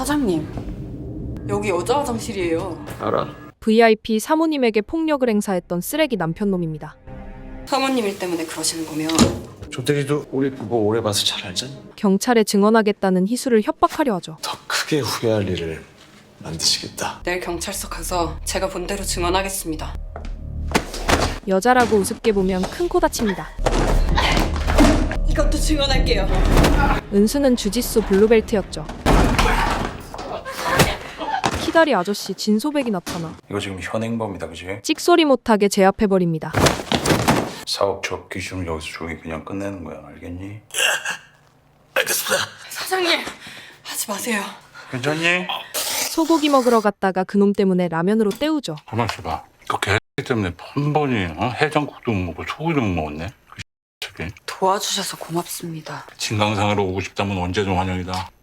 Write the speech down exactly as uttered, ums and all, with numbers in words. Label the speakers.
Speaker 1: 사장님, 여기 여자 화장실이에요.
Speaker 2: 알아.
Speaker 3: 브이아이피 사모님에게 폭력을 행사했던 쓰레기 남편놈입니다.
Speaker 1: 사모님 일 때문에 그러시는 거면
Speaker 2: 조대리도 우리 부부 오래 봐서 잘 알잖아.
Speaker 3: 경찰에 증언하겠다는 희수를 협박하려 하죠.
Speaker 2: 더 크게 후회할 일을 만드시겠다.
Speaker 1: 내일 경찰서 가서 제가 본 대로 증언하겠습니다.
Speaker 3: 여자라고 우습게 보면 큰 코 다칩니다.
Speaker 1: 이것도 증언할게요.
Speaker 3: 은수는 주짓수 블루벨트였죠. 키다리 아저씨 진소백이 나타나
Speaker 4: 이거 지금 현행범이다, 그지?
Speaker 3: 찍소리 못하게 제압해버립니다.
Speaker 4: 사업 적 기준을 여기서 조용히 그냥 끝내는 거야, 알겠니?
Speaker 1: 사장님, 하지 마세요.
Speaker 4: 괜찮니?
Speaker 3: 소고기 먹으러 갔다가 그놈 때문에 라면으로 때우죠.
Speaker 4: 가만 있어봐. 이거 개 때문에 한 번이 어? 해장국도 못 먹고 소고기도 못 먹었네. 그 새끼.
Speaker 1: 도와주셔서 고맙습니다.
Speaker 4: 진강상으로 오고 싶다면 언제든 환영이다.